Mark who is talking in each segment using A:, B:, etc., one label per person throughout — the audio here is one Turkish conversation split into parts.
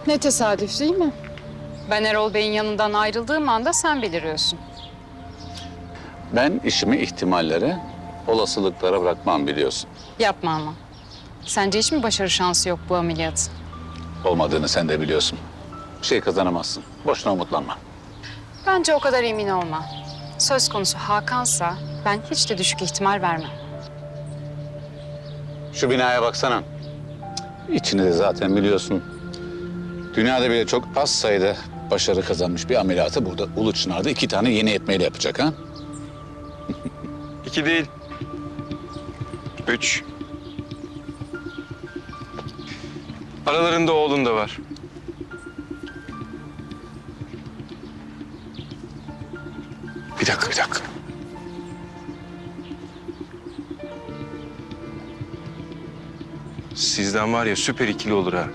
A: Ne tesadüf değil mi?
B: Ben Erol Bey'in yanından ayrıldığım anda sen beliriyorsun.
C: Ben işimi ihtimallere, olasılıklara bırakmam biliyorsun.
B: Yapma ama. Sence hiç mi başarı şansı yok bu ameliyatın?
C: Olmadığını sen de biliyorsun. Bir şey kazanamazsın. Boşuna umutlanma.
B: Bence o kadar emin olma. Söz konusu Hakan'sa ben hiç de düşük ihtimal vermem.
C: Şu binaya baksana. İçini de zaten biliyorsun. Dünyada bile çok az sayıda başarı kazanmış bir ameliyatı burada Ulu Çınar'da 2 tane yeni etmeyle yapacak ha.
D: 2 değil. 3. Aralarında oğlun da var. Bir dakika. Sizden var ya süper ikili olur ha.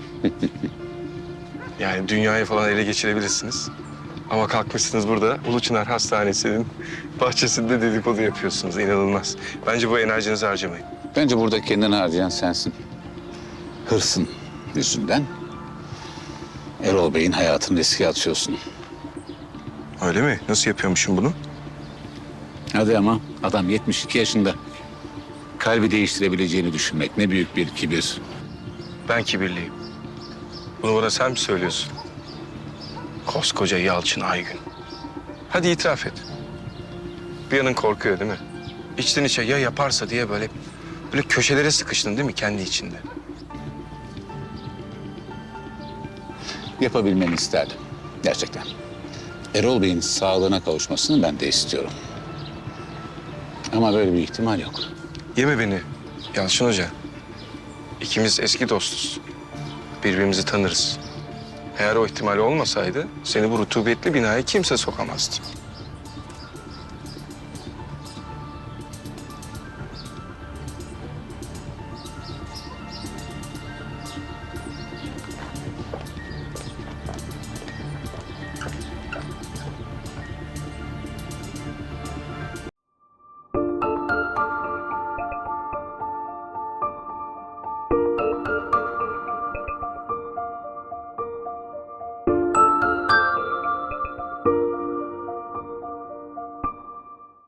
D: Yani dünyayı falan ele geçirebilirsiniz. Ama kalkmışsınız burada Ulu Çınar Hastanesi'nin bahçesinde dedikodu yapıyorsunuz. İnanılmaz. Bence bu enerjinizi harcamayın.
C: Bence burada kendini harcayan sensin. Hırsın yüzünden Erol Bey'in hayatını riske atıyorsun.
D: Öyle mi? Nasıl yapıyormuşum bunu?
C: Hadi ama adam 72 yaşında. Kalbi değiştirebileceğini düşünmek ne büyük bir kibir.
D: Ben kibirliyim. Bunu bana sen mi söylüyorsun? Koskoca Yalçın Aygün. Hadi itiraf et. Bir yanın korkuyor değil mi? İçten içe ya yaparsa diye böyle köşelere sıkıştın değil mi kendi içinde?
C: Yapabilmeni isterdim. Gerçekten. Erol Bey'in sağlığına kavuşmasını ben de istiyorum. Ama böyle bir ihtimal yok.
D: Yeme beni Yalçın Hoca. İkimiz eski dostuz. Birbirimizi tanırız. Eğer o ihtimal olmasaydı seni bu rutubetli binaya kimse sokamazdı.